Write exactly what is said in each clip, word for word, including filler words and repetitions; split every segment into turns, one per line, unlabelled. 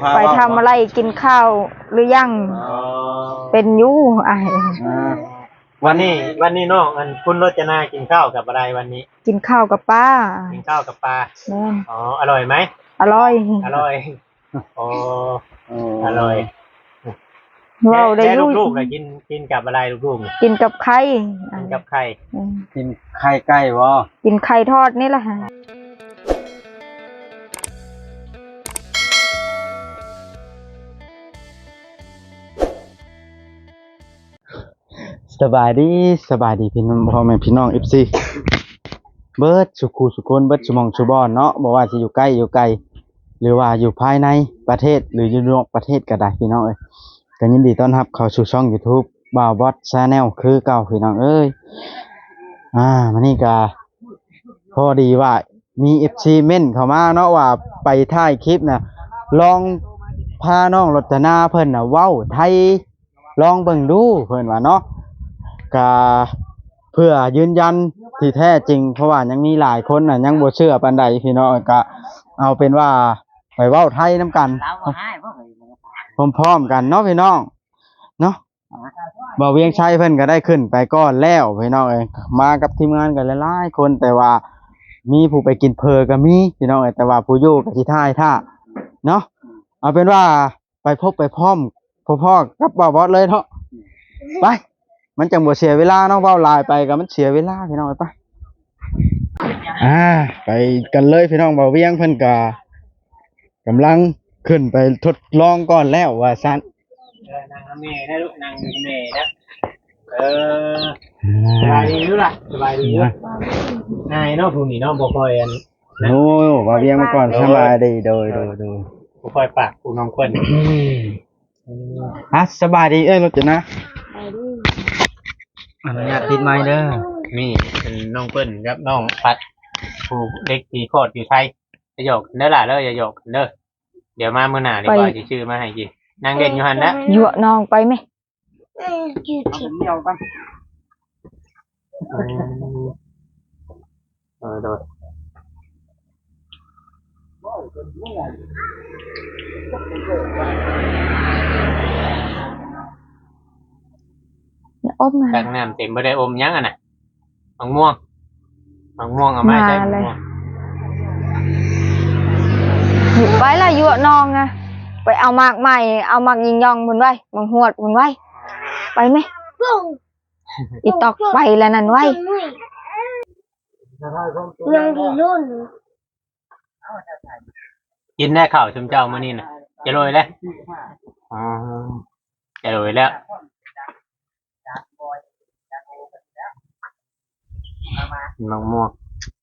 ไปทำอะไรกินข้าวหรือยังเป็นยู่ไอ
วันนี้วันนี้น้องอันคุณรจนากินข้าวกับอะไรวันนี้
กินข้าวกับป้า
กินข้าวกับปลาอ๋ออร่อยไหม
อร่อย
อร่อยอ๋ออร่อย
ว้าวได้
ลูกๆเลยกินกินกับอะไรลูก
ๆกินกับไข่
กินกับไข่
กินไข่ไก่วะ
กินไข่ทอดนี่แหละฮะ
สบายดีสบายดีพี่น้องพ่อแม่พี่น้องเอฟซีเบิร์ดสุขุสุคนเบิร์ดสมองสุบอนเนาะบอกว่าจะอยู่ใกล้อยู่ไกลหรือว่าอยู่ภายในประเทศหรืออยู่นอกประเทศก็ได้พี่น้องเอ้ยก็ยินดีต้อนรับเข้าสู่ช่อง YouTube บ่าวบอสชาแนลคือเก่าพี่น้องเอ้ยอ่ามันนี่ก็พอดีว่ามี เอฟ ซี เม่นเข้ามาเนาะว่าไปถ่ายคลิปน่ะลองพาน้องรจนาเพิ่นน่ะเว้าไทยลองเบิ่งดูเพิ่นว่าเนาะก็เพื่อยืนยันที่แท้จริงเพราะว่ายังมีหลายคนน่ะยังบ่เชื่อปานใดพี่น้องก็เอาเป็นว่าไปเว้าไทยนํกันพร้อมๆกันเนาะพี่น้องเนาะบ่เวียงชัยเพิ่นก็ได้ขึ้นไปก่อนแล้วพี่น้องเอ้ยมากับทีมงานกันหลายๆคนแต่ว่ามีผู้ไปกินเพอก็มีพี่น้องเอ้ยแต่ว่าผู้อยู่ก็สิท่ายท่าเนาะเอาเป็นว่าไปพบไปพร้อมพ่อๆกับบ่าวบอสเลยเนาะไปมันจังบ่เสียเวลาเนาะเว้าลายไปก็มันเสียเวลาพี่น้องไปอ่าไปกันเลยพี่น้องบ่าวเวียงเพิ่นก็กำลังขึ้นไปทดลองก่อนแล้วว่าซั่น
เออนางเมย์นะลูกนางเมย์นะเออสบายดีลูกล่ะสบายดีลูกนายเนาะผู้นี้เนาะบ่ค่อยอัน
โอ้บ่าวเวียงมาก่อนสบายดีโดยโดยโดย
บ่ค่อยปากผู้น้องเพิ่น
ฮะสบายดีเอ้ยรถจะนะอนุญาตติดไม้เด้อ
นี่เป็นน้องเปิ้ลครับน้องพัดผู้เด็กตีโคตรอยู่ไทยจะหยอกเด้อล่ะเด้ออย่าหยอกเด้อเดี๋ยวมามื้อหน้านี่ว่าสิชื่อมาให้กินนางเด่นอยู่หั่นนะ
ยั่วน้องไปมั้ย
เออกินเดียวกัน
เออโดด
อม
ตักน้ำเต็มบ่ได้อมยังอ่ะน่ะมะม่วงมะม่วงเอามาใส่มะม่วง
อยู่ไปละยั่วน้องอ่ะไปเอาหมากใหม่เอาหมากยิงยองเพิ่นไว้มังหวดเพิ่นไว้ไปมั้ยอีตอกไปแล้วนั่นไว้
ยังดีรุ่น
กินได้ข้าวชุมเจ้ามื้อนี้น่ะจะโรยแล้วอ๋อจะโรยแล้วน้องม่วง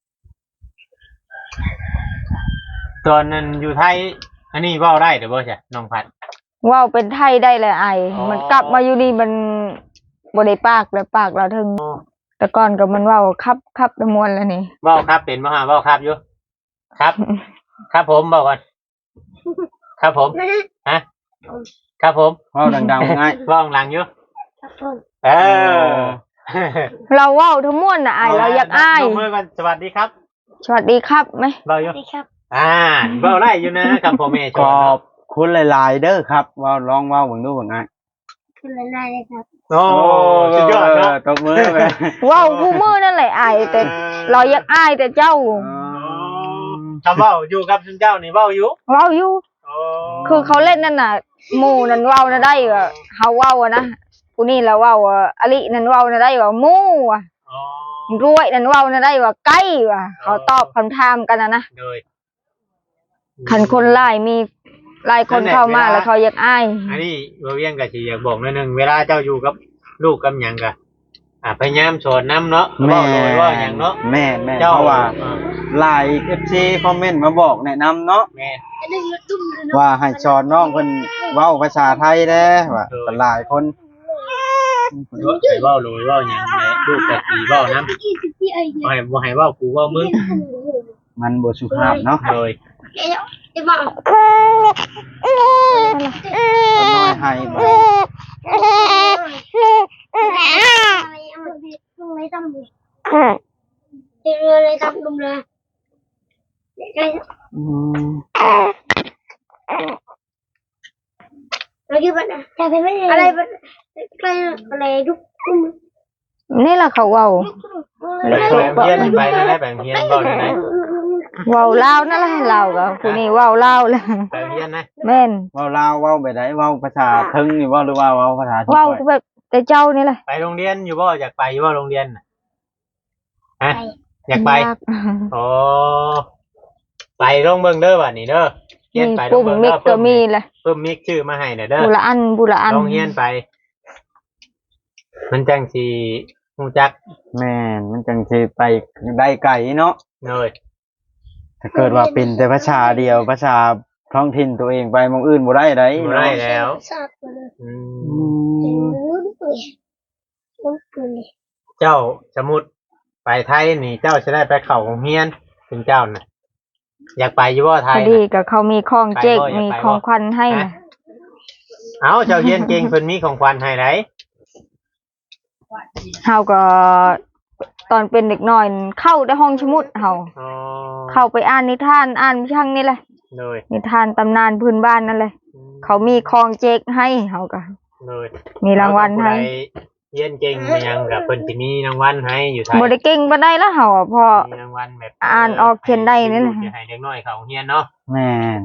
ตอนนั้นอยู่ไทยอันนี้เว้าได้เด้อบ่ใช่น้องพัด
เว้าเป็นไทยได้เลยไอ้มันกลับมาอยู่นี่มันบ่ได้ปากเลยปากเราถึงแต่ก่อนก็มันเว้าครับครับตะมวนแล้วนี่
เว้าครับเป็นบ่ฮะเว้าครับอยู่ครับครับผมบอกก่อนครับผมฮะครับผม
เว้าดังๆง่าย
เว้าดังอยู่เออ
เราเว้าทั้งมวลน่ะอ้ายเราอยากอ้าย
ยกมือก่อนสวัสดีครับ
สวัสดีครับมั้ย
เว้าอยู่อ่าเว้าได้อยู่นะครับพ่อแม่
ขอบคุณหลายๆเด้อครับเว้าลองเว้าเบิ่งดูว่าง่าย
คุณหลายๆเลยครับ
โอ้สุดยอดเนาะ
ตบมือไป
เว้าคู่มือนั่นแหละอ้ายแต่เราอยากอ้ายแต่เจ้า
คำเว้าอยู่กับเจ้านี่เว้าอยู่
เว้าอยู่คือเขาเล่นนั่นน่ะหมู่นั่นเว้าน่ะได้ก็เฮาเว้าอ่ะนะผู้นี้แล้วเว้าอลินั่นเว้าน่ะได้ว่าหมู่อ่ะอ๋อรวยนั่นเว้าน่ะได้ว่าไก่ว่ะเขาตอบคำถามกันน่ะนะโดยคันคนหลายมีหลายคนเข้ามาแล้วเขาอยากอ้าย
อันนี้บ่เวียงก็สิอยากบอกหน่อยนึงเวลาเจ้าอยู่กับลูกกับหยังก็อ่าพยายามสอนนำเนาะเว้าโดยว่าหยังเนาะ
แม่ๆเพราะว่าหลาย เอฟ ซี คอมเมนต์มาบอกแนะนำเนาะแม่ว่าให้สอนน้องเพิ่นเว้าภาษาไทยแน่ว่าหลายคน
ให้เว้าโดยว่าหยังแหละลูกก็สิเว้านำบ่ให้บ่ให้เว้ากูเว้ามึง
มันบ่สุภาพเนาะ
โดย
ไอ้บ้าน้
อยให้บ่
ไม่ทำเลยเดี๋ยวเลยทำดุมเลยที่มันแต่เป็นไม่อะไรมันอะไรอะไรทุกคน
นี่ล่ะเขาเว้า
ไปโรงเรียนไปนั่นแหละไปโรงเรียนบ่ได้ไหน
เว้าลาวนั่นแหละลาวก็ผู้นี้เว้าลาวแหละ
ไปโรงเรียนนะ
แม่น
เว้าลาวเว้าแบบใดเว้าภาษาเทิงนี่บ่หรือว่าเว้าภาษาที่
เว้า
ค่อย
แบบแต่เจ้านี่แหละ
ไปโรงเรียนอยู่บ่อยากไปอยู่บ่โรงเรียนน่ะฮะอยากไป
ยาก
โอ้ไปลงเบิ่งเด้อบัดนี้เด้อเรียน
มี
ไปล
ปุ่
ง
ม
เบิ่ง
มิ
เด้
ก
อ
ก็มีแหละ
เพิ่มมิกชื่อมาให้น่ะเด้อ
บุละอันบุละอัน
ลองเรียนไป มันจังสิฮู้จัก
แม่นมันจังสิไปได้ไกลเนาะ
เลย
ถ้าเกิดว่าเป็นแต่ภาษาเดียวภาษาท้องถิ่นตัวเองไปหมองอื่นบ่ได้ได
บ่ได้แล้ว
ทราบเลย
อื
อื
ม
ม
รู้ด้วยรู้ด้วย
เจ้าสมมุติไปไทยนี่เจ้าจะได้ไปเข้าโรงเรียนเป็นเจ้าน่ะ อยากไปอยู่บ่ไท
พ
ย
อดี
น่ะ
กับเขามีของเจ๊ก
ไปบ่อยาก
มี
ไปบ่
ของขวัญให้นะ
เอ้าเจ้าเรียนเก่งเพิ่นมีของขวัญให้ได
เฮาก็ตอนเป็นเด็กน้อยเข้าได้ห้องสมุดเฮา
อ๋อ
เข้าไปอ่านนิทานอ่านวิชังนี่แหละ
เลย
นิทานตำนานพื้นบ้านนั่นเลยเขามีของเจ๊กให้เฮาก็
เลย
มีรางวัลให้
ผู้ใดเรียนเก่งมีหยังกับเพิ่นสิมีรางวัลให้อยู่ไทย
บ่ได้เก่งปานใดแล้วเฮาอะเพอ
มีรางวัลแบบ
อ่านออกเขียนได้นี่แหละ
ให้เด็กน้อยเขาโรงเรียนเนาะ
แม่น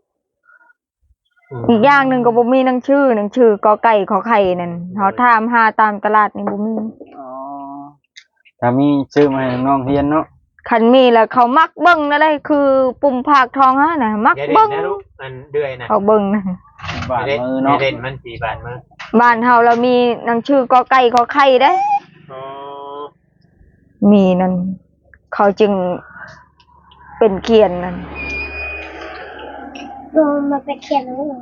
ม
อีกอย่างหนึงก็บ่มีหนังชื่อหนังชื่อกอไก่ขอไข่นั่นเฮาถามหาตามตลาดนี่บ่มี
อ๋อถ้ามีชื่อมาให้น้องเรียนเนาะ
คันมีแล้วเขามักเบิ่งนั่นเลยคือปุ่มภาคทองฮะน่ะมัก
อย่าเด่
เบิ่
น
ง
นะลูกมันเดือยนะ
เขาเบิ่งนะ
บาด
อย่าเด่น
มือ
อย่า
เนาะ
เด่นมันสี่บาทมือ
บ้านเฮาเรามีหนังชื่อกอไก่ขอไข่เด้
อ๋อ
มีนั่นเขาจึงเป็นเขียนนั่น
โดนมาไปเขียนแล้วเหรอ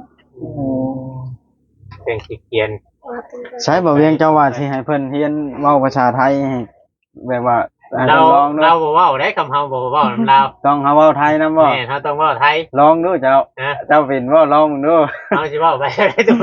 เป็นสิเขียน
มาเป็น
ใช้บ่เวียงเจ้าว่าสิให้เพิ่นเรียนเว้าภาษาไทยให้แบบว่าให้
เรา
เพิ่นลองดู
เราบ่เว้าได้คำเฮาบ่เว้านำเรา
ต้องเฮาเว้าไทยนำบ่
แม่เฮาต้องเว้าไทย
ลองดูเจ้า
นะ
เจ้าเป็นบ่ลองดู
เฮาสิเว้าไปได้ทุก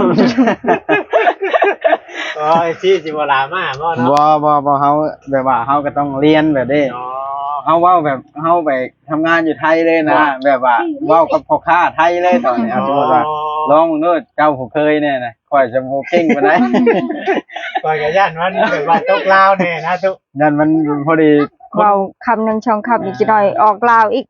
โอ้ยสิสิบ่ลามาบ่เนาะ
บ่บ่บ่เฮาแบบว่าเฮาก็ต้องเรียนแบบนี้
อ๋อ
เฮาเว้าแบบเฮาไปทำงานอยู่ไทยเลยนะ
ว่า
แบบว่าเว้ากับพ่อค้าไทยเลยตอนนี้เอาสมมุติว่าลองดูเจ้าผู้เคยเนี่ยนะค่อยจะบ่เก่งปานใด
ก่อนก็ย่านมันแบบว่าตกลาวแน่นะทุก
นั่นมันพอดี
เว้าคำหนึงช่องคำอีกจิหน่อยออกลาวอีก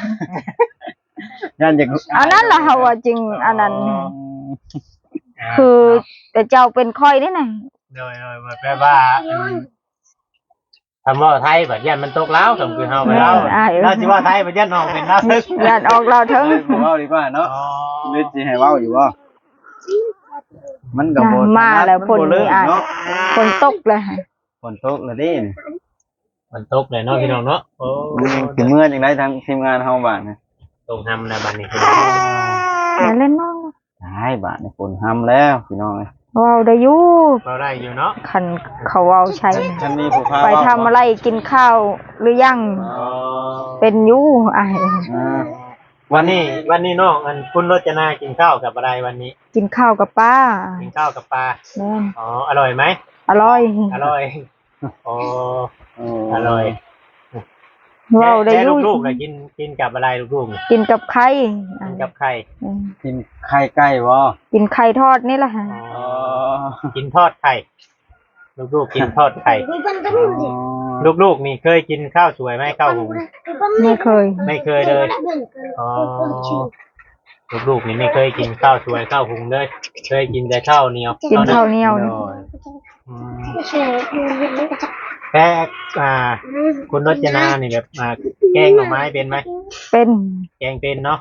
นั่นจะ
อันนั้นล่ะเฮาว่าจริงอันนั้น
อ๋อ
คือแต่เจ้าเป็นค่อยนี่น่ะ
โดยโดยแปลว่าอืมคำว่าไทยแบบย่านมันตกลาวคำคือเฮาไปลาวเราสิว่าไทยแบบย่านออกเป็นลาวซึก
ญาติออกลาวเถิง
เอ้ยบ่เว้าดีกว่าเนาะ
อ๋อ
นึกสิให้เว้าอยู่บ่มันก็บ่
มาแล้วฝน
บ่เลิ
นี่
ก
อ่ะ
เนาะ
ฝนตกเลย
ฝนตกแล้วดิ
มันตกเลยเนาะพี่น้องเนาะโอ้
สิเมื่อจังได๋ทางทีมงานเฮาบาดนะ
ตรงทำนะบัดนี้คือ
อย่าเล่นน้อง
ได้บาดนี่ฝนห้ำแล้วพี่น้องเอ้ย
เว้าได้อยู่
เราได้อยู่เนาะ
คันเขาเว้าใช่นะ
ฉันมีผู้พา
ไป
เว้า
ทำอะไรกินข้าวหรือยัง
อ๋อ
เป็นอยู่อ้าย
อ่า
วันนี้วันนี้น้องอันคุณรจนากินข้าวกับอะไรวันนี้
กินข้าวกับป้า
กินข้าวกับปลา
แม่น
อ๋ออร่อยไหม
อร่อย
อร่อยอ๋อ
โอ้
อร่อย
เว้าได้อยู่
ลูกๆน่ะกินกินกับอะไรลูกๆน่ะ
กินกับไข่
กินกับไข่
อืม
กินไข่ไก่บ่
กินไข่ทอดนี่แหละฮะ
อ๋
อ๋
อ
อ
กินทอดไข่ลูกๆกินทอดไข่
ไปปั้นกันนู่นดิ
ลูกๆนี่เคยกินข้าวสวยไหมข้าวหุง
ไม่เคย
ไม่เคยเลย อ๋อ ลูกๆนี่ไม่เคยกินข้าวสวยข้าวหุงเลย เคยกินแต่ข้าวเหนียว
กินข้าวเหนียวนี่
อืม
ไม่ใช่มันก็จะ
แค่อ่า คุณรจนานี่แบบอ่าแกงหน่อไม้เป็นไหม
เป็น
แกงเป็นเนาะ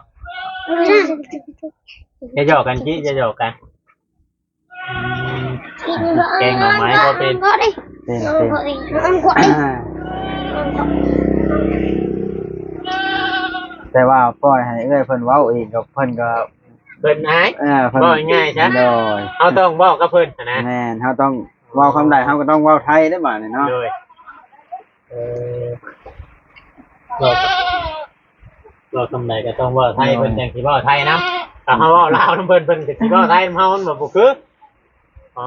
จะหยอกกันจี้จะหยอกกันอืมแกงหน่อไม้ก็เป็น
ก็ได้
เป็น
ก็
เป็น
ได้มันก็ได้
อ่าแต่ว่าปล่อยให้เอ้อยเพิ่นเว้าเองกับเพิ่นก็
เพิ่นหาย
เอ่าเพิ่น
บ่ง่ายๆใช่
โดย
เอาต้องบอกกับเพิ่นนะ
แม่นเฮาต้องเว้าคำใดเฮาก็ต้องเว้าไทยได้บาดนี่เนาะ
เลยเออบอกบอกคำใดก็ต้องเว่าไทยเพิ่นจังสิเว้าไทยนะถ้าเฮาเว้าลาวนำเพิ่นเพิ่นก็สิเว้าไทยนำเฮามันบ่คืออ๋อ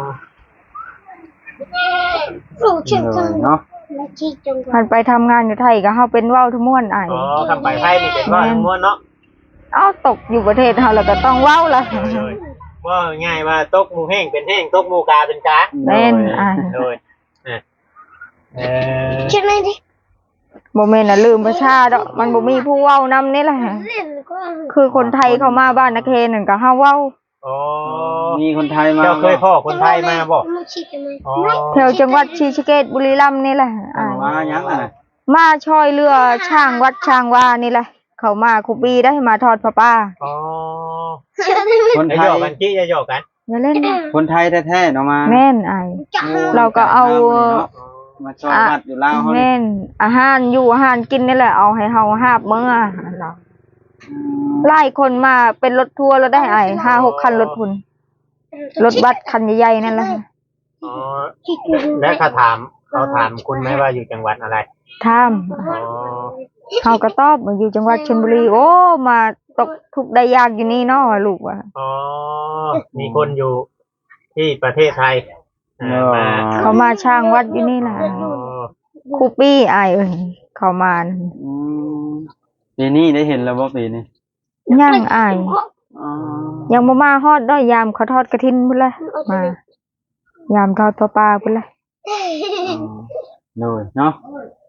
รู้เชื่อ
โด
จัง
ยเนาะ
แล้วที่จง
มันไปทำงานอยู่ไทยก็เฮาเป็นเว้าทุกม่วนอ้าย
อ๋อคำไปไทยนี่เป็นเว่าทั้งม้วนเนาะ
เอ้าตกอยู่ประเทศเฮาแล้วก็ต้องเว้าล่ะ
เลยว่าง่ายว่าตกหมูแห้งเป็นแห้งตกหมูกาเป็นกา
แม่นอ้าย
โดยอ่ะเออ
ใช่ไหมดิ
บ่แม่นน่ะลืมประชาดอกมันบ่มีผู้เว้านำนี่แหละ
เล่นก็
คือคนไทยเข้ามาบ้านนาเคนนั่นก็เฮาเว้า
อ๋อ
มีคนไทยมา
เจ้าเคยพ่อคนไทยมาบ่
มันฉีดทำไม
อ๋อ
แถวจังหวัดศรีสะเกษบุรีรัมย์นี่แหละอ้าย
มายังอ่ะ
มาช่วยเรือช่างวัดช่างว่านี่แหละ เขามาคุปีได้มาทอดผ้าป่า
อ๋อ
คน
อย่า
ไท
หย
ย
อกกันกี้อย่าหยอกกัน
อย่าเล่นนะ
คนไทยแท้ๆเนาะมา
แม่นอ้าย เราก็เอา
มาชอบบัดอยู่ลาวเฮานี่
แม่นอาหารอยู่อาหารกินนี่แหละเอาให้เฮาหาบมื้อเราไล่คนมาเป็นรถทัวร์แล้วได้อ้ายห้าหกคันรถพุ่นรถบัสคันใหญ่ๆนั่นแหละ
อ๋อแล้วเขาถามเขาถามคุณไหมว่าอยู่จังหวัดอะไร
ถาม
อ๋อ
เฮาก็ตอบว่าอยู่จังหวัดชลบุรีโอ้มาตกทุกข์ได้ยากอยู่นี่เนาะลูกว่า
อ๋อมีคนอยู่ที่ประเทศไทยอ่ามา
เขามาช่างวัดอยู่นี่แหละ
อ๋อ
ครูปี้อายเอ้ยเขามาน่ะ
อืมปีนี้ได้เห็นแล้วบ่ปีนี้
ย่างอาย
อ๋อ
ยังบ่มาฮอดด้อยยามเขาทอดกระถินพุ่นละมายามทอดปลาปลาพุ่นละ
โดยเนาะ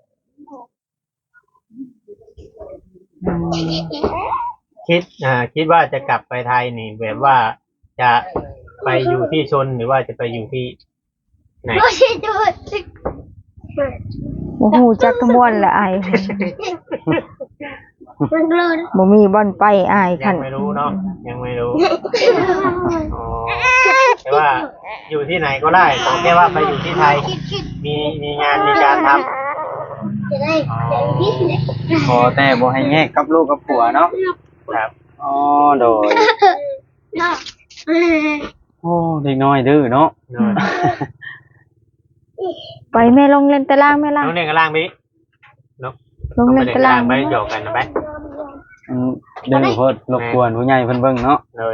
คิดอ่าคิดว่าจะกลับไปไทยนี่แบบว่าจะไปอยู่ที่ชนหรือว่าจะไปอยู่ที่ไหน
ไม่ใช่ตัว
บ่ฮู้จักขมวนละอาย
มันกลัว
บ่มีบ่อนไปอาย
ยั
คั
ง
น
ไม่รู้เนาะยังไม่รู้อ๋อแต่ว่าอยู่ที่ไหนก็ได้ขอแค่ว่าไปอยู่ที่ไทย มีมีงานมีการทำ
จะได้จะได้ที่ไหน
ขอแต่บ่ให้แยกกับลูกกับผัวเนาะ
ครับ
อ๋อโดย
เนาะ
โอ้เด็กน้อยดื้อเนาะ
เนอะ
ไปแม่ลงเล่นตารางแม่ล่ะ
น้องเล่นกันล่างพี่นก
ลง
ต้อง
เล่
ไป
น
เล่น
ตา
กัน
รา
ล่าง งไปหยอกกันนะไป
อืมดื้อโพดรบกวนผู้ใหญ่เพิ่นเบิ่งเนาะ
เลย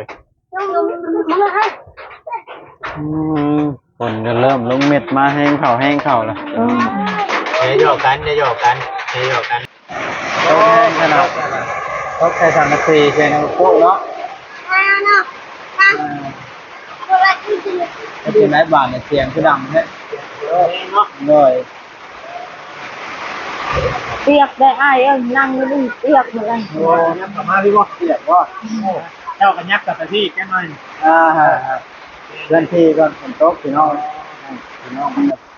อืมฝนก็เริ่มลงเม็ดมาแห้งเข่าแห้งเข่าแล้ว
เออ
อย่าหยอกกันอย่าหยอกกันอย่าหยอกกัน
โอ้ขนาดตกใส่สามนาทีใช่ไหมพวกเนาะ
เนาะตัวละที่จะ
ก็คือไร้บาทเนี่ยเสียงคือดังเนี่ย
เนาะ
เลย
เปียกได้อายเอ้ยนั่งอยู่นี่เปียกหมดเลย
โอ้ยับกลับมาพี่บ่
เสียงว่า
เจ้ากันยับกลับไปที่แค่หน่อย
อ่าฮะเพื่อนที่ก่อนฝนตกพี่น้องพี่น้องมันแบบ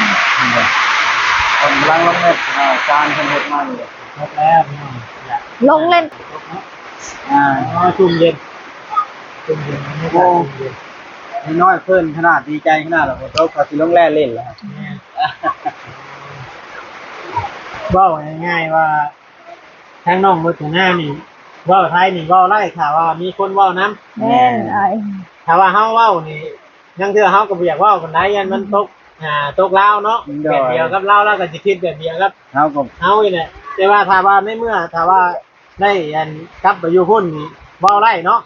คนกำลังลงเม็ดอ่าการคนเห็ดมาอยู่
ครบแล้วพี่น้องอย่า
ลงเล่น
อ่า
อ๋อชุ่มเย็นชุ่มเย็นไม่ได้ชุ่มเย็น
นี่น้อยเพิ่นขนาดดีใจขนาดเราฝนตกเขาสิลงแร่เล่นแล้ว
เว้าง่ายๆว่าทางน้องมือถือหน้านี่เว้าไทยนี่เว้าไล่ค่ะว่ามีคนเว้านํ
แม่นอาย
ถ้าว่าเฮาเว้านี่ยังเทื่อเฮาก็บ่อยากเว้าปานใดยันมันตกอ่าตกลาวเนาะแบบเดียวกับลาวแล้วก็สิคิดแบบเดียวกับ
เฮาก็
เฮานี่แหละแต่ว่าถ้าว่าในเมื่อถ้าว่าได้อันกลับไปอยู่พุ่นนี่เว้าไล่เนาะ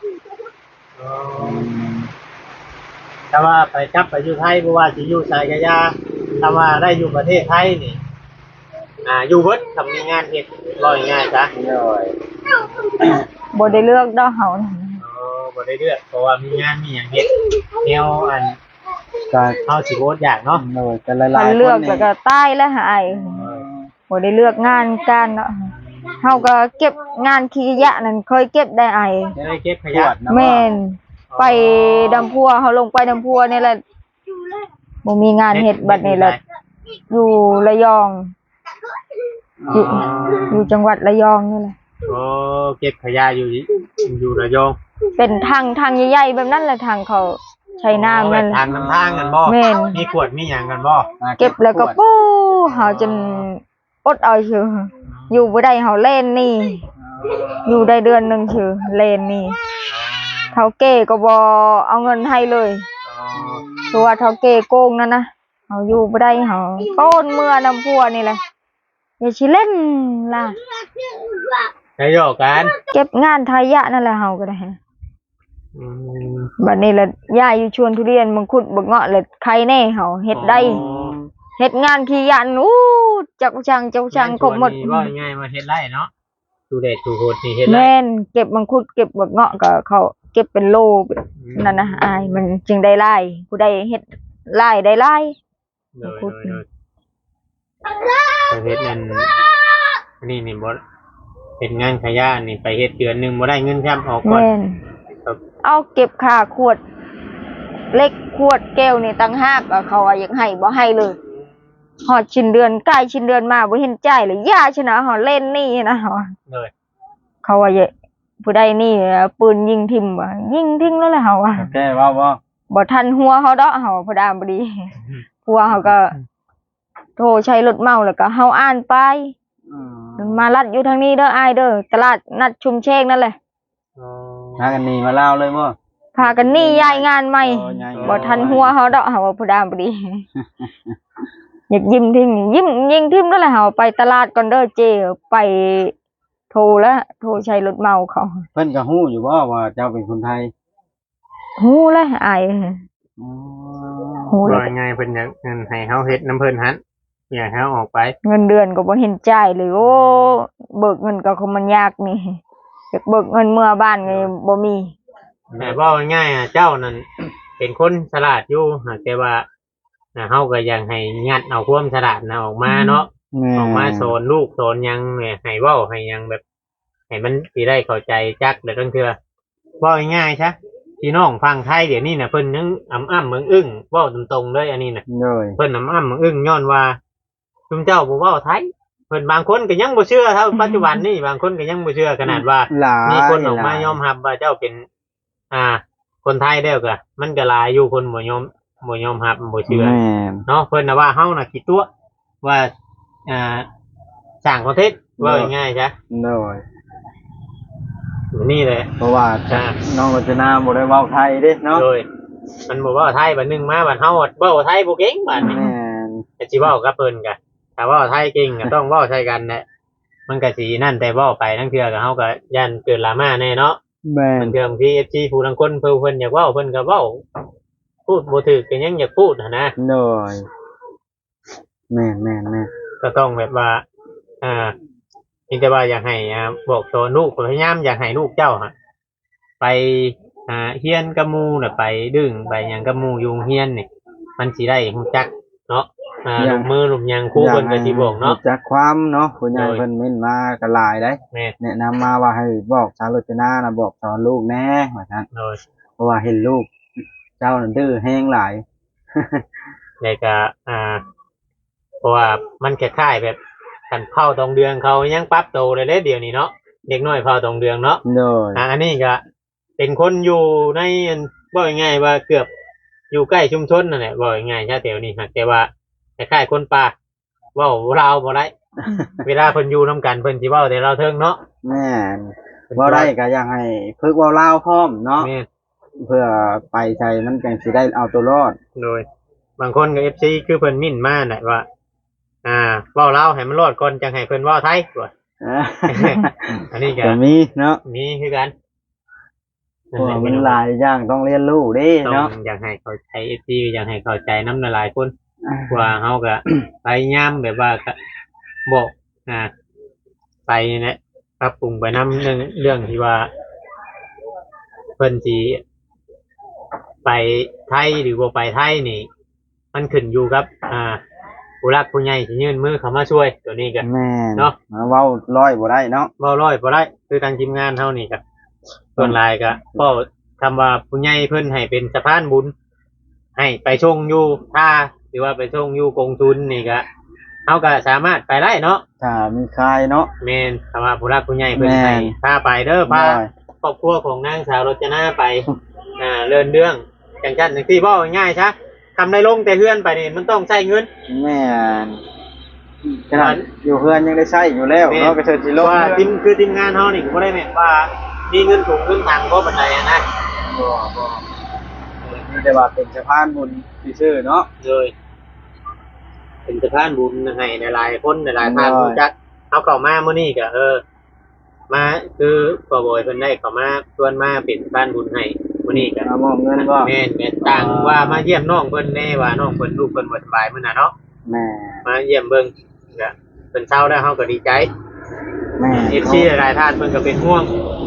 ถ้าว่าไปกลับไปอยู่ไทยบ่ว่าสิอยู่ไสก็อย่าถ้าว่าได้อยู่ประเทศไทยนี่อ่าอยู่เบิดทำมีงานเฮ็ดร้อยง่ายจ้ะ
เลย
บ่ได้เลือกดอกเฮาน่ะ
อ๋อบ่ได้เลือกเพราะว่ามีงานมีหยังเฮ็ดแนวอัน
การ
เฮาสิโพสต์อยากเนาะ
เลยแต่หลาย
คัน
ๆ
เลื
ค
อน ก
นี่
แล้วก็ตายแล้วหายบ่ได้เลือกงานการเนาะเฮาก็เก็บงานขี้ขยะนั่นเคยเก็บได้อาย
จะได้เก็บข
ข
ยะ
วดนะ
แม่นไปดำพัวเฮาลงไปดำพัวนี่แหละบ่มีงานเฮ็ดบัดนี้แหละอยู่ระยอง อยู่อยู่จังหวัดระยองนี่แหละ
โอ้เก็บขยะอยู่อยู่ระยอง
เป็นทางทางใหญ่ๆแบบนั้นแหละทางเขาใช้น้ำนั่น
ทางน้ำทางกันบ่
แม่น
มีขวดมีหยังกันบ่
เก็บแล้วก็ปู้เฮาจนอดเอาชื่ออยู่บ่ได้เฮาเล่นนี่ อยู่ได้เดือนหนึงชื่อเล่นนี่เฒ่าแก่ก็บ่เอาเงินให้เลยตัวาเฒ่าแก่โกงนั่นนะเฮาอยู่บ่ได้เฮาโต้นเมื่อน้ำพัวนี่แหละอย่าสิเล่นล่ะ
ได้หยอกกัน
เก็บงานทายะนั่นแหละเฮาก็ได้
อืม
บัดนี้ละย่าอยู่ชวนทุเรียนมังคุดบักเงาะเลยใครแน่เฮาเฮ็ดได้เฮ็ดงานขี้ยันอู้จักช่างเจ้าช่างครบหมด
นี่ว่าง่ายๆมาเฮ็ดไร่เนาะดูเด็ดดูโหดนี่เฮ็ดไร่
แม่นเก็บมังคุดเก็บบักเงาะก็เขาเก็บเป็นโลนั่นนะอายมันจึงได้ไล่ผู้ใดเฮ็ดไล่ได้ไล่
โดยโดยโดยไปเฮ็ดนั่นอันนี้นี่บ่เฮ็ดงานขยะนี่ไปเฮ็ดเดือนหนึงบ่ได้เงินซ้ำออกก่อน
แม่น
ครับ
เอาเก็บค่าขวด เล็กขวดแก้วนี่ตั้งหากอะเขาว่าอยากให้บ่ให้เลยฮอดชิ้นเดือนใกล้ชิ้นเดือนมาบ่เห็นจ่ายเลยย่าชนะฮอดเล่นนี่นะเขาว่า
เลย
เขาว่าอย่าผู้ใดนี่ปืนยิงทิ่มว่ายิงทิ้งแล้วแหละเขาว่า
แก้ว่าบ่
บ่ทันหัวเขาดอกเขาพอดามบ่ดีหัวเขาก็โทรใช้รถเมาแล้วก็เฮาอ่านไป
อืม
มาลัดอยู่ทางนี้เด้ออ้ายเด้อตลาดนัดชุมเชงนั่นแหละ
อ๋อ
พากันหนีมาลาวเลยบ่
พากันหนี่ย้ายงานใหม่
โอ้ย้ายงาน
บ่ทันหัวเฮาดอกเฮาว่าพอดามบ่ดี อยากยิ้มทิ้งยิ้มยิงทิ้งนั่นแหละเฮาไปตลาดก่อนเด้อเจไปโทรแล้วโทรใช้รถเมาเขา
เพิ่นก็ฮู้อยู่บ่ว่าเจ้าเป็นคนไทย
ฮู้แล้วอ้าย
อ๋อ
ฮู้แล้ว
ว่าไงเพิ่นอยากเงินให้เฮาเฮ็ดน้ำเพิ่นหันอยากให้เฮาออกไป
เงินเดือนก็บ่เห็นจ่ายเลยโอ้เบิกเงินก็คือมันยากนี่อยากเบิกเงินเมื่อบ้านก็บ่มี
แต่ว่าง่ายๆอ่ะเจ้านั่น เป็นคนฉลาดอยู่หากแต่ว่าอ่าเฮาก็ยังให้งัดเอาความฉลาดนะออกมาเนาะ
แม่
ออกมาสอนลูกสอนหยังเนี่ยให้เว้าให้หยังแบบให้มันสิได้เข้าใจจักแล้วตั้งเทื่อเว้าง่ายๆซะพี่น้องฟังไทยเดี๋ยวนี้น่ะเพิ่นยังอ้ำอ้ำเมืองอึ้งเว้าตรงๆเลยอันนี้น่ะ
เลย
เพิ่นอ้ำอ้ำเมืองอึ้งย้อนว่าชุมเจ้าบ่เว้าไทยเพิ่นบางคนก็ยังบ่เชื่อเท่าปัจจุบันนี้บางคนก็ยังบ่เชื่อขนาดว่า
หลาย
มีคนออกมายอมรับว่าเจ้าเป็น อ่า คนไทยแล้วก็มันก็หลายอยู่คนบ่ยอมบ่ยอมรับบ่เชื่อ
แม่น
เนาะเพิ่นน่ะว่าเฮาน่ะคิดตัวว่าอ่าสร้างคอนเทนต์ว่าง่ายๆจ้ะ
เลย
นี่แหละ
เพราะว่า
อ่า
น้องรจนาบ่ได้เว้าไทยเด้เนาะ
โดยมันบอกว่าไทยบัดหนึงมาบัดเฮาเว้าไทยบ่เก่งบัดนี้
แม่น
แต่สิเว้ากับเพิ่นก็ถ้าเว้าไทยเก่งก็ต้องเว้าใส่กันแหละมันก็สินั่นแต่เว้าไปทั้งเทื่อก็เฮาก็ย่านเกิดดราม่าแน่เนาะ
แม่น
มันเทื่อบางที เอฟ ซี ผู้ลางคนเพิ่นเพิ่นอยากเว้าเพิ่นก็เว้าพูดบ่ถูกก็ยังอยากพูดหันนะ
เลยแม่นแม่นแม่น
ก็ต้องแบบว่า อ่ามีแต่ว่าอยากให้อ่าบอกสอนลูกพยายามอยากให้ลูกเจ้าฮะไปอ่าเฮียนกับหมู่น่ะไปดึงไปหยังกับหมู่อยู่เฮียนนี่มันสิได้รู้จักเนาะอ่าลูกมือลูกหยังครูเพิ่นก็สิบอกเนาะ
รู้จากความเนาะผู้ใหญ่
โดย
เพิ่นเม้นมาก็หลายได้
แม่น
แนะนำมาว่าให้บอกชาวรจนานะบอกสอนลูกแน่ว่าซั่น
โดย
เพราะว่าเห็นลูก เจ้านั่นดื้อแฮงหลาย
แล้วก็อ่า เพราะว่ามันคล้ายๆแบบกันเข้าตรงเดือนเขายังปรับโตวเลยเด้เดี๋ยวนี้เนาะเด็กน้อยเข้าตรงเดือนเนาะ
โดย
อ่าอันนี้ก็เป็นคนอยู่ในอันว่าง่ายๆว่าเกือบอยู่ใกล้ชุมชนนั่นแหละว่าง่ายๆชาแถวนี้ฮะแต่ว่าคล้ายๆคนป่าเว่าเราบ่ได้ เวลาเพิ่นอยู่นํกันเพิ่นสิเว้าแต่เราเทิงเนาะ
แม่นเว่าได้ก็อยากให้ฝึกเว้าลาวพร้อมเนาะ
แม่น
เพื่อไปใช้มันจังสิได้เอาตัวรอด
โดย บางคนก็ เอฟ ซี คือเพิ่นมิ่นมาน่ะว่า อ่าเว้าลาวให้มันรอดก่อนจังให้เพิ่นเว้าไทยว่า อันนี้ก็
ก็มีเนาะ
มีคือกัน
เพราะว่ามันหลายอย่างต้องเรียนรู้เด้
ต้อง
เนาะ
อยากให้เข้าใจ เอฟ ซี อยากให้เข้าใจนำหลายๆคน ว่าเฮาก็ พยายามแบบว่าก็บอกอ่าไปเนี่ยปรับปรุงไปนำเรื่องเรื่องที่ว่าเพิ่นสิไปไทยหรือบ่ไปไทยนี่ มันขึ้นอยู่กับ อ่าผู้รักผู้ใหญ่สิยื่นมือเข้ามาช่วย ตัวนี้ก็
แม่น
เนาะ
เว้าร้อยบ่ได้เนาะ
เว้าร้อยบ่ได้คือทางทีมงานเฮานี่ก็ส่วนหลายก็ก็คำว่าผู้ใหญ่เพิ่นให้เป็นสะพานบุญ ให้ไปชงอยู่ท่าหรือว่าไปชงอยู่กองทุนนี่ก็เฮาก็สามารถไปได้เนาะ
ถ้ามีใครเนาะ
แม่นคำว่าผู้รักผู้ใหญ่เพิ่น
แม่น
ให้พาไปเด้อพา
ได้
ครอบครัวของนางสาวรจนาไป อ่าเลื่อนเรื่องจังซั่นจังซี่เว้าง่ายๆซะทำได้ลงแต่เฮือนไปนี่มันต้องใช้เงิน
แม่นขนาดอยู่เพื่อนยังได้ใช้อยู่แล้วเนาะก็เชิญสิลง
ว่า
เรื
ที
อน
มคือทีมงานเฮานี่ก็บ่ได้แม่นว่ามีเงินถุงเงินถังบ่ปานใดอะนะ
บ่บ่มีแต่ว่าเป็นสะพานบุญซื่อๆเนาะ
เลยเป็นสะพานบุญให้หลายๆคนหลายๆท่านรู้จักเอาเข้ามามื้อนี้ก็เออ มาคือพ่อบ่อยเพิ่นได้เข้ามาชวนมาเป็นสะพานบุญให้มื้อนี้ก็
เอามอบเงินบ่
แม่นแม่นต่างว่ามาเยี่ยมน้องเพิ่นแน่ว่าน้องเพิ่นลูกเพิ่นบ่สบายมื้อน่ะเนาะ
แม่
มาเยี่ยมเบิ่งก็เพิ่นเศร้าแล้วเฮาก็ดีใจ
แม่
เอฟซีหลายๆท่านเพิ่นก็เป็นห่วง เ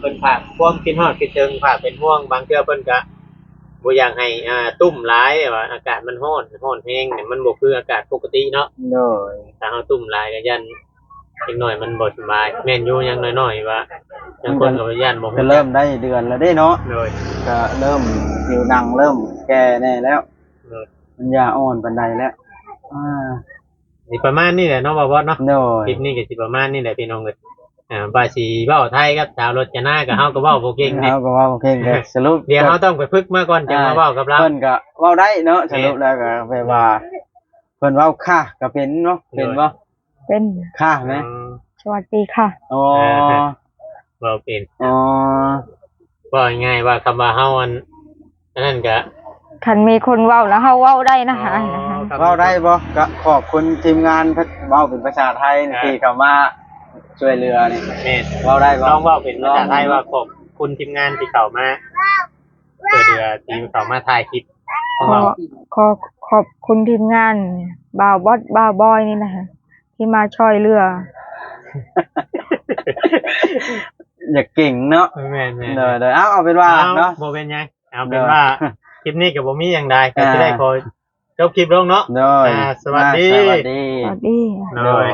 พิ่นฝากความคิดฮอดคิดถึงฝากเป็นห่วงบางเทื่อเพิ่นก็บ่อยากให้อ่าตุ้มหลายว่าอากาศมันร้อนร้อนแรงเนี่ยมันบ่คืออากาศปกติเนาะ
โดย
ถ้าเฮาตุ้มหลายก็ยันอีกหน่อยมันบ่สบายแม่นอยู่อยังน้อยๆว่าบางคนก็ยันบ่
ก็เริ่มได้เดือนแล้วเด้เนาะ
เลย
ก็เริ่มผิวหนังเริ่มแก่แน่แล้ว
เลย
มันยาอ่อนปานใดแล้วอ่า
สิประมาณนี้แหละเนาะบ่าวบอสเนาะ
โดย
คลิปนี้ก็สิประมาณนี้แหละพี่น้องเอ้ยอ่าว่าสิเว้าไทยกับชาวรถจะหน้าก็เฮาก็เว้าบ่เก่งนี่
เฮาก็ว่าโอเคก็สรุป
เดี๋ยวเฮาต้องไปฝึกมาก่อนจังมาเว้ากับเรา
เพิ่นก็เว้าได้เนาะสรุปแล้วก็แปลว่าเพิ่นเว้าค่ะก็เป็นเนาะเป็นบ่
เป็น
ค่ะไหม
อืม
สวัสดีค่ะ
อ๋อ
เว้าเป็น
อ๋อ
ว่าง่ายๆว่าคำว่าเฮาอันอันนั้นก็
คันมีคนเว้าแล้วเฮาเว้าได้นะคะนะคะ
เว้าได้บ่ก็ขอบคุณทีมงานเพิ่นเว้าเป็นภาษาไทยนี่ที่เข้ามาช่วยเหลือนี่
แม่น
เว้าได้บ่
ลองเว้าเป็นภาษาไทยว่าขอบคุณทีมงานที่เข้ามาช่วยเหลือที่เข้ามาถ่ายคลิปข
ข
อง
อ
เรา
ขอขอบคุณทีมงานบ่าวบอสบ่าวบอยนี่นะคะที่มาช่วยเหลือ
อย่าเก่งเนาะ
แม่นๆ
เด้อเด้อเอาเอาเป็นว่า
เอา
เนาะ
บ่เป็นหยังเอาเป็นว่าคลิปนี้ก็บ่มีหยังใดก็สิได้ขอจบคลิปลงเนาะ
โดย
อ่าสวัสดี
อ่าสวัสดี
สวัสดี
โดย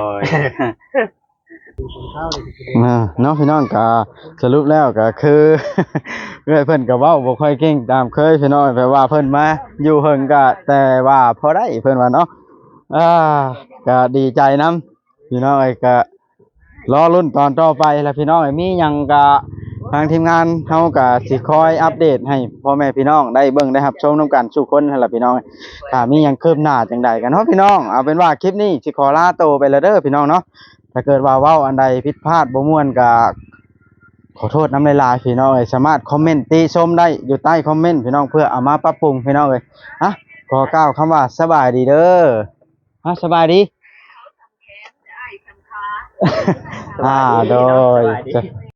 อ่าเนาะพี่น้องก็สรุปแล้วก็คือ เรื่อยเพิ่นก็เว้าบ่ค่อยเก่งตามเคยพี่น้องแปลว่าเพิ่นมาอยู่เฮิงก็แต่ว่าพอได้เพิ่นว่าเนาะอ่าก็ดีใจนํพี่น้องเอ้ยก็รอลุ้นตอนต่อไปแล้วพี่น้องเอ้ยมีหยังก็ทางทีมงานเฮาก็สิคอยอัปเดตให้พ่อแม่พี่น้องได้เบิ่งได้รับชมนํกันทุกคนนั่นล่ะพี่น้องถ้ามีหยังคืบหน้าจังใดกันเนาะพี่น้องเอาเป็นว่าคลิปนี้สิขอลาโตวไปแล้วเด้อพี่น้องเนาะถ้าเกิดว่าเว้าอันใดผิดพลาดบ่ม่วนก็ขอโทษน้ำลายๆพี่น้องเอ้ยสามารถคอมเมนต์ติชมได้อยู่ใต้คอมเมนต์พี่น้องเพื่อเอามาปรับปรุงพี่น้องเอ้ยฮะขอกล่าวคำว่าสบายดีเด้อฮะสบายดี อ่าโดย